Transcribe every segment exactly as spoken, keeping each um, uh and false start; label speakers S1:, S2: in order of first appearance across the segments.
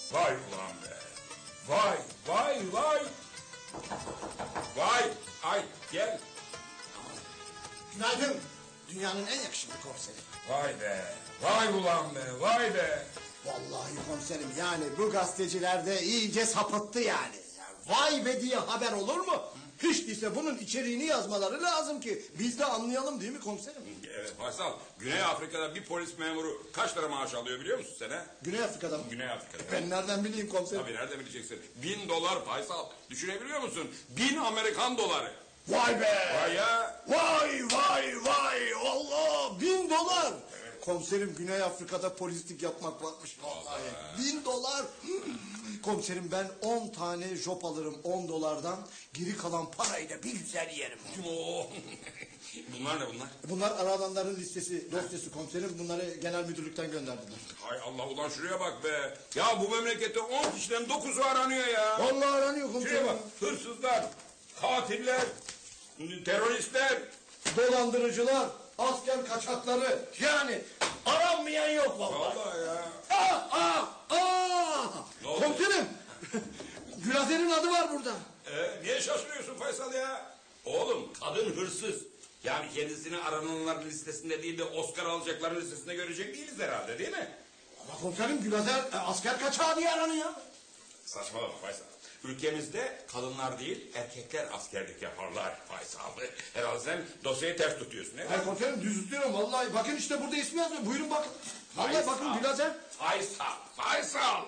S1: Vay ulan be. Vay vay vay. Vay ay gel.
S2: Günaydın. Dünyanın en yakışıklı komiseri.
S1: Vay be. Vay ulan be. Vay be.
S2: Vallahi komiserim yani bu gazeteciler de iyice sapıttı yani. Ya vay be diye haber olur mu? Hiç değilse bunun içeriğini yazmaları lazım ki biz de anlayalım değil mi komiserim?
S1: Evet Faysal, Güney Afrika'da bir polis memuru kaç lira maaş alıyor biliyor musun sen ha?
S2: Güney Afrika'da mı?
S1: Güney Afrika'da.
S2: Ben nereden bileyim komiserim?
S1: Tabii nereden bileceksin? Bin dolar Faysal. Düşünebiliyor musun? Bin Amerikan doları.
S2: Vay be!
S1: Vay ya!
S2: Vay vay vay! Allah! Bin dolar! Evet. Komiserim Güney Afrika'da polislik yapmak varmış vallahi. Bin dolar! Komiserim ben on tane jop alırım on dolardan. Geri kalan parayı da bir güzel yerim.
S1: Oo. Bunlar ne bunlar?
S2: Bunlar aradanların listesi, dosyası komiserim. Bunları genel müdürlükten gönderdiler.
S1: Hay Allah ulan şuraya bak be. Ya bu memlekette on kişiden dokuzu aranıyor ya.
S2: Vallahi aranıyor komiserim.
S1: Şuraya bak. Hırsızlar, katiller, teröristler.
S2: Dolandırıcılar, asker kaçakları. Yani aranmayan yok vallahi.
S1: Vallahi ya.
S2: Aa, aa, aa!
S1: Ne oldu?
S2: Komiserim. Gülazer'in adı var burada.
S1: Ee, niye şaşırıyorsun Faysal ya? Oğlum kadın hırsız. Yani kendisini arananların listesinde değil de Oscar alacakların listesinde görecek değiliz herhalde değil mi?
S2: Ama komiserim Gülazer e, asker kaçağı diye aranıyor.
S1: Saçmalama Faysal. Ülkemizde kadınlar değil erkekler askerlik yaparlar Faysal. Herhalde sen dosyayı ters tutuyorsun. Değil mi?
S2: Hayır komiserim düz tutuyorum vallahi. Bakın işte burada ismi yazıyor. Buyurun bakın. Vallahi
S1: Faysal.
S2: bakın Gülazer.
S1: Faysal. Faysal.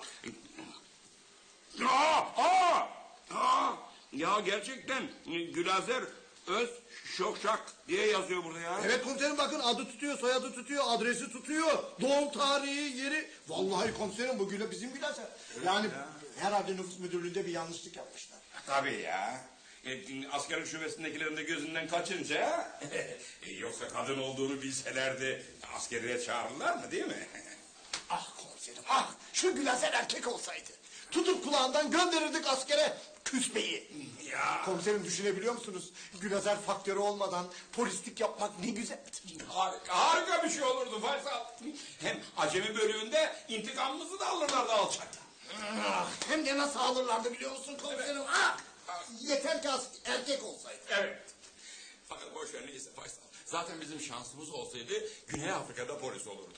S1: Aa, aa, aa. Ya gerçekten Gülazer Öz Şokşak diye yazıyor burada ya.
S2: Evet komiserim bakın adı tutuyor, soyadı tutuyor, adresi tutuyor. Doğum tarihi, yeri. Vallahi komiserim bu Güla bizim Gülazer. Yani
S1: ya.
S2: herhalde nüfus müdürlüğünde bir yanlışlık yapmışlar.
S1: Tabii ya. E, askerlik şubesindekilerin de gözünden kaçınca e, yoksa kadın olduğunu bilselerdi askeriye çağırırlar mı değil mi?
S2: Ah komiserim ah şu Gülazer erkek olsaydı. Tutup kulağından gönderirdik askere küspeyi.
S1: Ya.
S2: Komiserim düşünebiliyor musunuz? Gülazer faktörü olmadan polislik yapmak ne güzeldir.
S1: Harika, harika bir şey olurdu Faysal. Hem acemi bölüğünde intikamımızı da alırlardı alçakta.
S2: Ah, hem de nasıl alırlardı biliyor musun komiserim?
S1: Evet.
S2: Ah, yeter ki as- erkek olsaydı.
S1: Evet. Fakat boş ver neyse Faysal. Zaten bizim şansımız olsaydı Güney Afrika'da polis olurduk.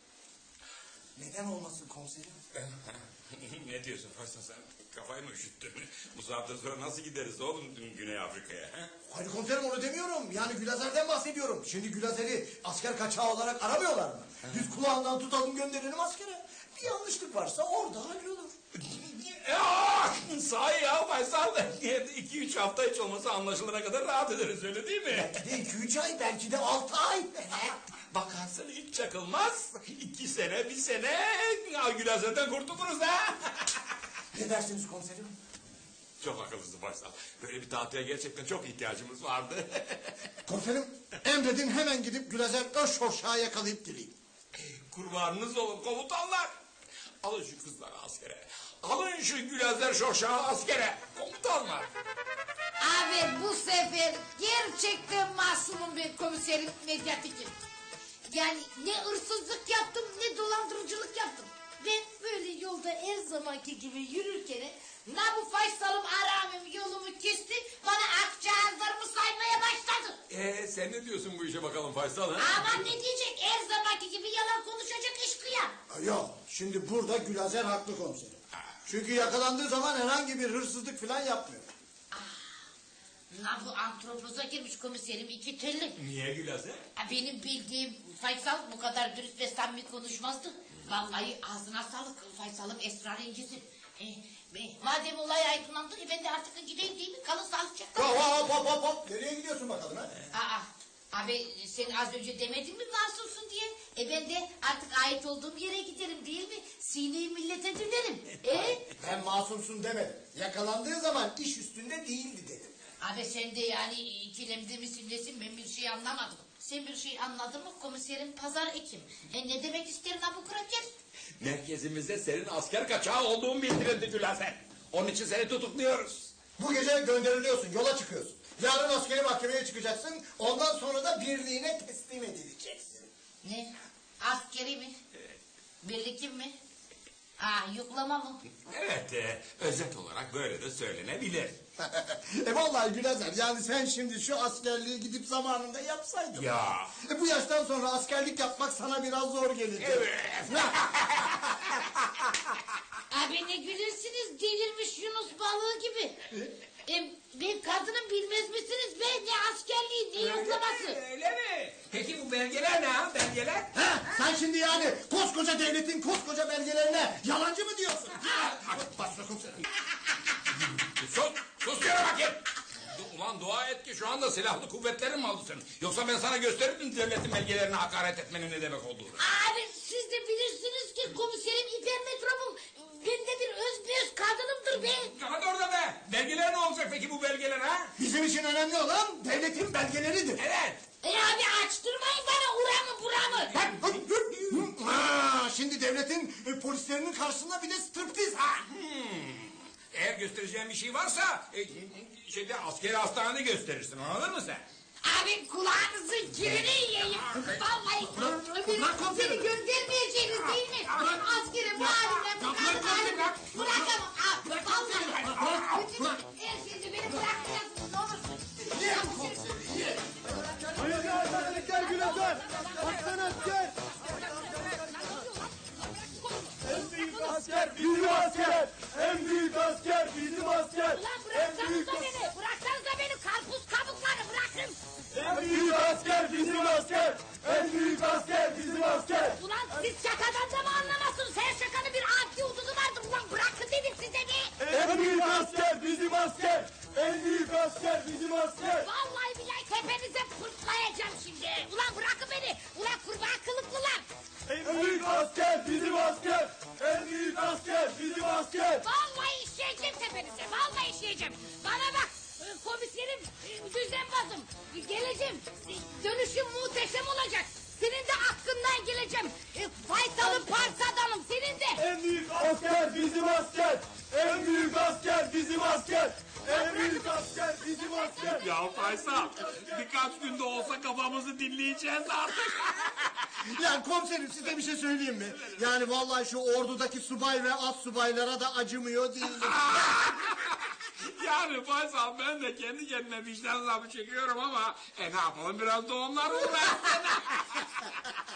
S2: Neden olmasın komiserim?
S1: Ne diyorsun Faysal sen? Kafayı mı üşüttün? Bu saatten sonra nasıl gideriz oğlum Güney Afrika'ya? He?
S2: Hayır komiserim onu demiyorum. Yani Gülazer'den bahsediyorum. Şimdi Gülazer'i asker kaçağı olarak aramıyorlar mı? Biz kulağından tutalım gönderelim askere. Bir yanlışlık varsa orada hallolur.
S1: Ya, sahi ya Faysal. iki üç hafta hiç olmasa anlaşılana kadar rahat ederiz öyle değil mi?
S2: Belki de iki üç ay, belki de altı ay.
S1: Bakarsın hiç çakılmaz. İki sene, bir sene Gülazer'den kurtuluruz ha.
S2: Ne dersiniz komiserim?
S1: Çok akıllısın Faysal. Böyle bir tatile gerçekten çok ihtiyacımız vardı.
S2: Komiserim emredin hemen gidip Gülazer Özşorşak'ı yakalayıp direyim.
S1: Kurbanınız olun komutanlar. Alın şu kızları askere. Alın şu Gülazer Şoşak'ı askere. Komutanlar.
S3: Abi bu sefer gerçekten masumum ben komiserim Medyatikim. Yani ne hırsızlık yaptım ne dolandırıcılık yaptım. Ben böyle yolda her zamanki gibi yürürken na bu Faysal'ım aramım yolumu kesti bana akçağızlarımı saymaya başladı.
S1: Ee, sen ne diyorsun bu işe bakalım Faysal ha?
S3: Aman ne diyecek her zamanki gibi yalan konuşacak eşkıya.
S2: Yok şimdi burada Gülazer haklı komiserim. Çünkü yakalandığı zaman herhangi bir hırsızlık falan yapmıyor.
S3: La bu antropoza girmiş komiserim iki telli.
S1: Niye Gülazer?
S3: Ha, benim bildiğim Faysal bu kadar dürüst ve samimi konuşmazdı. Vallahi ağzına sağlık Faysal'ım esrarencisin. E, e, madem olay aydınlandı e, ben de artık gideyim değil mi? Kalın sağlıcakla.
S2: Hop hop hop hop hop. Nereye gidiyorsun bakalım ha?
S3: Aa, abi sen az önce demedin mi masumsun diye? E ben de artık ait olduğum yere giderim değil mi? Sineyi millete dönerim. E?
S2: Ben masumsun demedim. Yakalandığı zaman iş üstünde değildi dedim.
S3: Abi sen de yani ikilemde misin nesin ben bir şey anlamadım. Sen bir şey anladın mı komiserim Pazar Ekim? E ne demek isterin ha bu kraker?
S1: Merkezimizde senin asker kaçağı olduğun bildirildi Gülazer. Onun için seni tutukluyoruz.
S2: Bu gece gönderiliyorsun, yola çıkıyorsun. Yarın askeri mahkemeye çıkacaksın. Ondan sonra da birliğine teslim edileceksin.
S3: Ne? Askeri mi? Birlikim mi? Ah yuklama mı?
S1: Evet, e, özet olarak böyle de söylenebilir.
S2: e vallahi Gülezer, yani sen şimdi şu askerliği gidip zamanında yapsaydın.
S1: Ya.
S2: E bu yaştan sonra askerlik yapmak sana biraz zor gelecek.
S1: Evet.
S3: Abi ne gülürsünüz delirmiş Yunus balığı gibi. E, ben kadının bilmez misiniz be, ne askerliği ne yoklaması.
S1: Öyle mi? Peki bu belgeler ne ha, belgeler?
S2: Ha, sen şimdi yani koskoca devletin koskoca belgelerine yalancı mı diyorsun? Ha, başla komiserim.
S1: Sus, sus yere bakayım. Ulan dua et ki şu anda silahlı kuvvetlerin mi aldı senin? Yoksa ben sana gösterirdim devletin belgelerine hakaret etmenin ne demek olduğunu.
S3: Abi siz de bilirsiniz ki komiserim hipermetropum. Ben de bir öz bir öz kadınımdır be.
S1: Hadi orada be. Belgeler ne olacak peki bu belgeler ha?
S2: Bizim için önemli olan devletin belgeleridir.
S1: Evet.
S3: E abi açtırmayın bana uramı buramı.
S2: Ha, şimdi devletin e, polislerinin karşısında bir de striptiz. Ha.
S1: Eğer göstereceğin bir şey varsa e, şeyde askeri hastanede gösterirsin, anladın mı sen?
S3: Abi kulağınızın kirini yiyeyim. Vallahi beni,
S2: bırak komiserim.
S3: beni göndermeyeceğiniz değil mi? Askeri bu halimle bu kadın halimle bırakamam. Abi vallahi bütün her şeyi beni bırakacaksınız ne olursun.
S4: Hayırlı hastanelikler Gülezer. Aslan asker. En büyük asker bizim asker. En büyük asker bizim asker.
S3: Ulan
S4: En büyük,
S3: bıraksanıza beni. Bıraksanıza beni karpuz kabuklarını bırakın.
S4: en büyük asker bizim asker. En büyük asker bizim asker.
S3: Ulan siz şakadan da mı anlamazsınız? Her şakanın bir adli hududu vardır. Ulan bırakın dedim size be.
S4: En büyük asker bizim asker. En büyük asker bizim asker.
S3: Vallahi billahi tepenize fırtlayacağım şimdi. Ulan bırakın beni. Ulan kurbağa kılıklılar.
S4: En büyük asker bizim asker. En büyük asker bizim asker.
S3: Vallahi işleyeceğim tepenize. Vallahi işleyeceğim. Bana bak. e, Komiserim e, düzenbazım. E, Geleceğim. E, Dönüşüm muhteşem olacak. Senin de hakkından geleceğim. E, Faysal'ın parsadanım senin de.
S4: En büyük asker bizim asker. En büyük asker bizim asker. En büyük asker bizim asker.
S1: Ya Faysal, birkaç günde olsa kafamızı dinleyeceğiz artık.
S2: Yani komiserim, size bir şey söyleyeyim mi? Yani vallahi şu ordudaki subay ve az subaylara da acımıyor değilim.
S1: Yani Faysal, ben de kendi kendime vicdan azabı çekiyorum ama e ne yapalım, biraz da onlar uğraşsın.